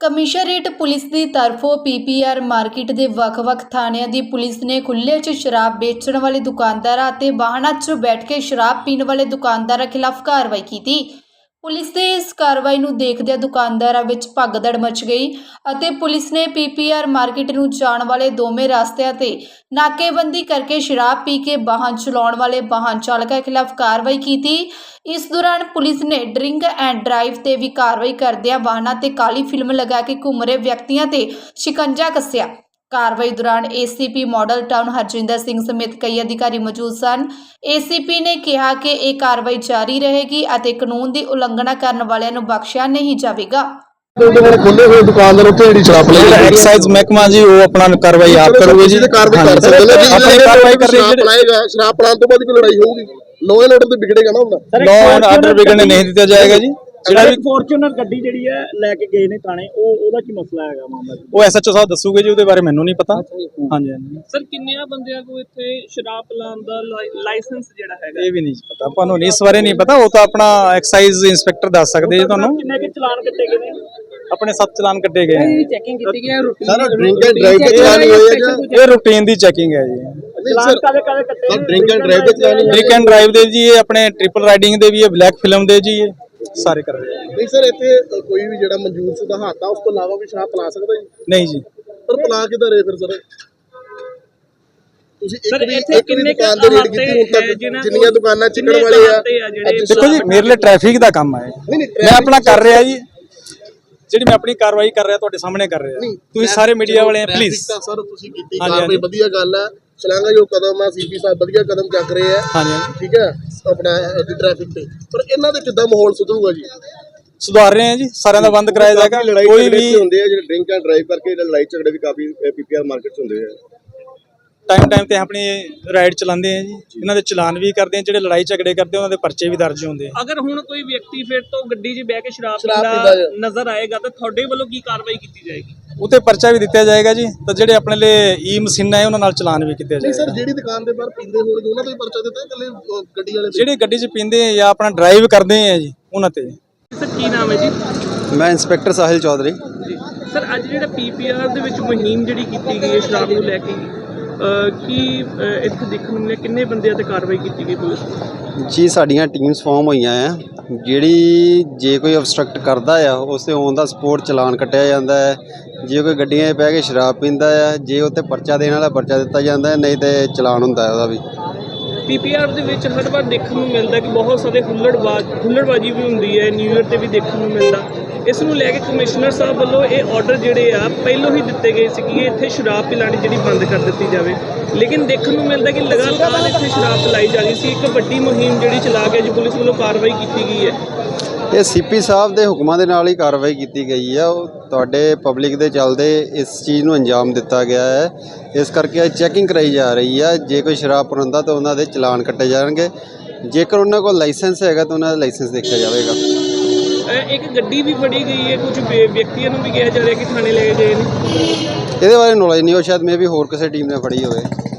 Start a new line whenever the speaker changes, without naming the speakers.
Commissionerate police ਦੀ ਤਰਫੋਂ PPR market ਦੇ ਵੱਖ-ਵੱਖ ਥਾਣਿਆਂ ਦੀ ਪੁਲਿਸ ਨੇ ਖੁੱਲ੍ਹੇ 'ਚ ਸ਼ਰਾਬ ਵੇਚਣ ਵਾਲੇ ਦੁਕਾਨਦਾਰਾਂ ਅਤੇ ਵਾਹਨਾਂ 'ਚ ਬੈਠ ਕੇ ਸ਼ਰਾਬ ਪੀਣ ਵਾਲੇ ਦੁਕਾਨਦਾਰਾਂ ਖਿਲਾਫ ਕਾਰਵਾਈ ਕੀਤੀ। ਪੁਲਿਸ ਦੇ ਇਸ ਕਾਰਵਾਈ ਨੂੰ ਦੇਖਦਿਆਂ ਦੁਕਾਨਦਾਰਾਂ ਵਿੱਚ ਭਗਦੜ ਮਚ ਗਈ ਅਤੇ ਪੁਲਿਸ ਨੇ ਪੀਪੀਆਰ ਮਾਰਕੀਟ ਨੂੰ ਜਾਣ ਵਾਲੇ ਦੋਵੇਂ ਰਸਤਿਆਂ ਤੇ ਨਾਕੇਬੰਦੀ ਕਰਕੇ ਸ਼ਰਾਬ ਪੀ ਕੇ ਵਾਹਨ ਚਲਾਉਣ ਵਾਲੇ ਵਾਹਨ ਚਾਲਕਾਂ ਖਿਲਾਫ ਕਾਰਵਾਈ ਕੀਤੀ। ਇਸ ਦੌਰਾਨ ਪੁਲਿਸ ਨੇ ਡਰਿੰਕ ਐਂਡ ਡਰਾਈਵ ਤੇ ਵੀ ਕਾਰਵਾਈ ਕਰਦਿਆਂ ਵਾਹਨਾਂ ਤੇ ਕਾਲੀ ਫਿਲਮ ਲਗਾ ਕੇ ਘੁੰਮ ਰਹੇ ਵਿਅਕਤੀਆਂ ਤੇ ਸ਼ਿਕੰਜਾ ਕੱਸਿਆ। ਕਾਰਵਾਈ ਦੌਰਾਨ ACP Model Town Harjinder Singh ਸਮੇਤ ਕਈ ਅਧਿਕਾਰੀ ਮੌਜੂਦ ਸਨ। ਏਸੀਪੀ ਨੇ ਕਿਹਾ ਕਿ ਇਹ ਕਾਰਵਾਈ ਜਾਰੀ ਰਹੇਗੀ ਅਤੇ ਕਾਨੂੰਨ ਦੀ ਉਲੰਘਣਾ ਕਰਨ ਵਾਲਿਆਂ ਨੂੰ ਬਖਸ਼ਿਆ ਨਹੀਂ ਜਾਵੇਗਾ।
खुले हुए दुकानदार एक्साइज महकमा जी वो अपना कार्रवाई आप करोगे जी
शराब पलान तो बाद लड़ाई होगी लॉ एंड ऑर्डर तो बिगड़ेगा ना
लॉ एंड ऑर्डर बिगड़ने नहीं दिया जाएगा जी।
ਫੋਰਚੂਨਰ ਗੱਡੀ ਜਿਹੜੀ ਹੈ ਲੈ ਕੇ ਗਏ ਨੇ ਥਾਣੇ ਉਹਦਾ ਕੀ ਮਸਲਾ ਹੈਗਾ ਮਾਮਲਾ
ਉਹ ਐਸਐਚਓ ਸਾਹਿਬ ਦੱਸੂਗੇ ਜੀ ਉਹਦੇ ਬਾਰੇ ਮੈਨੂੰ ਨਹੀਂ ਪਤਾ। ਹਾਂਜੀ
ਸਰ ਕਿੰਨਿਆਂ ਬੰਦਿਆਂ ਕੋ ਇੱਥੇ ਸ਼ਰਾਬ ਪਲਾਨ ਦਾ ਲਾਇਸੈਂਸ ਜਿਹੜਾ ਹੈਗਾ
ਇਹ ਵੀ ਨਹੀਂ ਪਤਾ ਆਪਾਂ ਨੂੰ ਇਸ ਬਾਰੇ ਨਹੀਂ ਪਤਾ। ਉਹ ਤਾਂ ਆਪਣਾ ਐਕਸਾਈਜ਼ ਇੰਸਪੈਕਟਰ ਦੱਸ ਸਕਦੇ ਜੀ ਤੁਹਾਨੂੰ।
ਕਿੰਨੇ ਕੇ ਚਲਾਨ ਕੱਟੇ ਗਏ ਨੇ
ਆਪਣੇ 7 ਚਲਾਨ ਕੱਟੇ ਗਏ
ਇਹਦੀ ਚੈਕਿੰਗ ਕੀਤੀ ਗਈ ਹੈ
ਸਰ ਡਰਿੰਕ ਐਂਡ ਡਰਾਈਵ ਤੇ ਚਲਾਨੀ ਹੋਈ ਹੈ
ਇਹ ਰੂਟੀਨ ਦੀ ਚੈਕਿੰਗ ਹੈ ਜੀ।
ਚਲਾਨ ਕਾਦੇ ਕਾਦੇ ਕੱਟੇ
ਡਰਿੰਕ ਐਂਡ ਡਰਾਈਵ ਤੇ ਚਲਾਨੀ
ਡਰਿੰਕ ਐਂਡ ਡਰਾਈਵ ਦੇ ਜੀ ਇਹ ਆਪਣੇ ਟ੍ਰਿਪਲ ਰਾਈਡਿੰਗ ਦੇ ਵੀ ਇਹ ਬਲੈਕ ਫਿਲਮ ਦੇ ਜੀ ਇਹ ਸਾਰੇ ਕਰ ਰਹੇ
ਨਹੀਂ ਸਰ ਇੱਥੇ ਕੋਈ ਵੀ ਜਿਹੜਾ ਮਨਜ਼ੂਰ ਸ਼ੁਦਾ ਹਾਤਾ ਉਸ ਤੋਂ ਇਲਾਵਾ ਵੀ ਸ਼ਰਾਬ ਪਲਾ ਸਕਦਾ ਜੀ?
ਨਹੀਂ ਜੀ।
ਪਰ ਪਲਾ ਕਿਦਾਂ ਰਹੇ ਫਿਰ ਸਰ ਤੁਸੀਂ
ਸਰ
ਇੱਕ
ਇੱਥੇ ਕਿੰਨੇ
ਦੁਕਾਨ ਦੇ ਰੇਟ ਕੀਤੀ ਹੁਣ ਤੱਕ ਜਿੰਨੀਆਂ ਦੁਕਾਨਾਂ ਚਿਕਣ ਵਾਲੇ ਆ
ਦੇਖੋ ਜੀ ਮੇਰੇ ਲਈ ਟ੍ਰੈਫਿਕ ਦਾ ਕੰਮ ਹੈ। ਮੈਂ ਆਪਣਾ ਕਰ ਰਿਹਾ ਜੀ ਜਿਹੜੀ ਮੈਂ ਆਪਣੀ ਕਾਰਵਾਈ ਕਰ ਰਿਹਾ ਤੁਹਾਡੇ ਸਾਹਮਣੇ ਕਰ ਰਿਹਾ। ਤੁਸੀਂ ਸਾਰੇ ਮੀਡੀਆ ਵਾਲੇ ਪਲੀਜ਼
ਸਰ ਤੁਸੀਂ ਕੀਤੀ ਕਾਰਵਾਈ ਵਧੀਆ ਗੱਲ ਹੈ ਸ਼ਲਾਘਾਯੋਗ ਕਦਮ ਆ। ਸੀਪੀ ਸਾਹਿਬ ਵਧੀਆ ਕਦਮ ਚੱਕ ਰਹੇ ਆ।
ਹਾਂਜੀ
ਠੀਕ ਹੈ ਆਪਣਾ ਟ੍ਰੈਫਿਕ ਤੇ ਪਰ ਇਹਨਾਂ ਦੇ ਕਿੱਦਾਂ ਮਾਹੌਲ ਸੁਧਰੂਗਾ ਜੀ?
ਸੁਧਾਰ ਰਹੇ ਹਾਂ ਜੀ ਸਾਰਿਆਂ ਦਾ ਬੰਦ ਕਰਾਇਆ ਜਾਏਗਾ। ਕੋਈ ਵੀ
ਹੁੰਦੇ ਆ ਜਿਹੜੇ ਡਰਿੰਕ ਐਂਡ ਡਰਾਈਵ ਕਰਕੇ ਲੜਾਈ ਝਗੜੇ ਵੀ ਕਾਫੀ ਪੀਪੀਆਰ ਮਾਰਕੀਟ 'ਚ ਹੁੰਦੇ ਆ।
ਟਾਈਮ ਤੇ ਆਪਣੀ ਰਾਈਡ ਚਲਾਉਂਦੇ ਆ ਜੀ ਇਹਨਾਂ ਦੇ ਚਲਾਨ ਵੀ ਕਰਦੇ ਆ। ਜਿਹੜੇ ਲੜਾਈ ਝਗੜੇ ਕਰਦੇ ਉਹਨਾਂ ਦੇ ਪਰਚੇ ਵੀ ਦਰਜ ਹੁੰਦੇ ਆ।
ਅਗਰ ਹੁਣ ਕੋਈ ਵਿਅਕਤੀ ਫਿਰ ਤੋਂ ਗੱਡੀ 'ਚ ਬਹਿ ਕੇ ਸ਼ਰਾਬ ਪੀਂਦਾ ਨਜ਼ਰ ਆਏਗਾ ਤਾਂ ਤੁਹਾਡੇ ਵੱਲੋਂ ਕੀ ਕਾਰਵਾਈ ਕੀਤੀ ਜਾਏਗੀ?
ਉਤੇ ਪਰਚਾ ਵੀ ਦਿੱਤਾ ਜਾਏਗਾ ਜੀ। ਤਾਂ ਜਿਹੜੇ ਆਪਣੇ ਲਈ ਈ ਮਸ਼ੀਨਾਂ ਹੈ ਉਹਨਾਂ ਨਾਲ ਚਲਾਨ ਵੀ ਕੀਤੇ ਜਾਏਗਾ।
ਸਰ ਜਿਹੜੀ ਦੁਕਾਨ ਦੇ ਬਾਹਰ ਪੀਂਦੇ ਹੋਣਗੇ ਉਹਨਾਂ ਤੋਂ ਹੀ ਪਰਚਾ ਦਿੱਤਾ ਇਕੱਲੇ ਗੱਡੀ ਵਾਲੇ?
ਜਿਹੜੇ ਗੱਡੀ 'ਚ ਪੀਂਦੇ ਆ ਜਾਂ ਆਪਣਾ ਡਰਾਈਵ ਕਰਦੇ ਆ ਜੀ ਉਹਨਾਂ ਤੇ।
ਸਰ ਕੀ ਨਾਮ ਹੈ ਜੀ?
ਮੈਂ ਇੰਸਪੈਕਟਰ ਸਾਹਿਲ ਚੌਧਰੀ
ਜੀ ਸਰ ਅੱਜ ਜਿਹੜਾ ਪੀਪੀਆਰ ਦੇ ਵਿੱਚ ਮੁਹਿੰਮ ਜਿਹੜੀ ਕੀਤੀ ਗਈ ਹੈ ਸ਼ਰਾਬ ਨੂੰ ਲੈ ਕੇ ਕੀ ਇੱਥੇ ਦੇਖਣ ਨੂੰ ਮਿਲਿਆ ਕਿੰਨੇ ਬੰਦਿਆਂ ਤੇ ਕਾਰਵਾਈ ਕੀਤੀ ਗਈ ਪੁਲਿਸ?
ਜੀ ਸਾਡੀਆਂ ਟੀਮਸ ਫਾਰਮ ਹੋਈਆਂ ਆ। ਜਿਹੜੀ ਜੇ ਕੋਈ ਅਬਸਟਰਕਟ ਕਰਦਾ ਆ ਉਸ ਤੇ ਔਨ ਦਾ ਸਪੋਰਟ ਚਲਾਨ ਕੱਟਿਆ ਜਾਂਦਾ ਹੈ। ਜੇ ਕੋਈ ਗੱਡੀਆਂ 'ਚ ਬਹਿ ਕੇ ਸ਼ਰਾਬ ਪੀਂਦਾ ਆ ਜੇ ਉੱਤੇ ਪਰਚਾ ਦੇਣ ਵਾਲਾ ਪਰਚਾ ਦਿੱਤਾ ਜਾਂਦਾ ਨਹੀਂ ਤੇ ਚਲਾਨ ਹੁੰਦਾ ਉਹਦਾ ਵੀ।
ਪੀਪੀਆਰ ਦੇ ਵਿੱਚ ਹਰ ਵਾਰ ਦੇਖਣ ਨੂੰ ਮਿਲਦਾ ਕਿ ਬਹੁਤ ਸਾਰੇ ਹੁੱਲੜਬਾਜੀ ਵੀ ਹੁੰਦੀ ਹੈ ਨਿਊ ਈਅਰ ਤੇ ਵੀ ਦੇਖਣ ਨੂੰ ਮਿਲਦਾ। ਇਸ ਨੂੰ ਲੈ ਕੇ ਕਮਿਸ਼ਨਰ ਸਾਹਿਬ ਵੱਲੋਂ ਇਹ ਆਰਡਰ ਜਿਹੜੇ ਆ ਪਹਿਲੋਂ ਹੀ ਦਿੱਤੇ ਗਏ ਸੀ ਕਿ ਇੱਥੇ ਸ਼ਰਾਬ ਪਿਲਾਣੀ ਜਿਹੜੀ ਬੰਦ ਕਰ ਦਿੱਤੀ ਜਾਵੇ। ਲੇਕਿਨ ਦੇਖਣ ਨੂੰ ਮਿਲਦਾ ਕਿ ਲਗਾਤਾਰ ਇੱਥੇ ਸ਼ਰਾਬ ਪਿਲਾਈ ਜਾ ਰਹੀ ਸੀ। ਇੱਕ ਵੱਡੀ ਮੁਹਿੰਮ ਜਿਹੜੀ ਚਲਾ ਕੇ ਅੱਜ ਪੁਲਿਸ ਵੱਲੋਂ ਕਾਰਵਾਈ ਕੀਤੀ ਗਈ ਹੈ।
ਇਹ ਸੀਪੀ ਸਾਹਿਬ ਦੇ ਹੁਕਮਾਂ ਦੇ ਨਾਲ ਹੀ ਕਾਰਵਾਈ ਕੀਤੀ ਗਈ ਆ। ਉਹ ਤੁਹਾਡੇ ਪਬਲਿਕ ਦੇ ਚੱਲਦੇ ਇਸ ਚੀਜ਼ ਨੂੰ ਅੰਜਾਮ ਦਿੱਤਾ ਗਿਆ ਹੈ। ਇਸ ਕਰਕੇ ਚੈਕਿੰਗ ਕਰਾਈ ਜਾ ਰਹੀ ਆ। ਜੇ ਕੋਈ ਸ਼ਰਾਬ ਪੀਂਦਾ ਤਾਂ ਉਹਨਾਂ ਦੇ ਚਲਾਨ ਕੱਟੇ ਜਾਣਗੇ। ਜੇਕਰ ਉਹਨਾਂ ਕੋਲ ਲਾਇਸੈਂਸ ਹੈਗਾ ਤਾਂ ਉਹਨਾਂ ਦਾ ਲਾਇਸੈਂਸ ਦੇਖਿਆ ਜਾਵੇਗਾ।
ਇੱਕ ਗੱਡੀ ਵੀ ਫੜੀ ਗਈ ਹੈ। ਕੁਝ ਵਿਅਕਤੀਆਂ ਨੂੰ ਵੀ ਕਿਹਾ ਜਾ ਰਿਹਾ ਕਿ ਥਾਣੇ ਲੈ ਕੇ ਗਏ ਨੇ।
ਇਹਦੇ ਬਾਰੇ ਨੌਲੇਜ ਨਹੀਂ ਹੋ ਸ਼ਾਇਦ ਮੇ ਵੀ ਹੋਰ ਕਿਸੇ ਟੀਮ ਨੇ ਫੜੀ ਹੋਵੇ।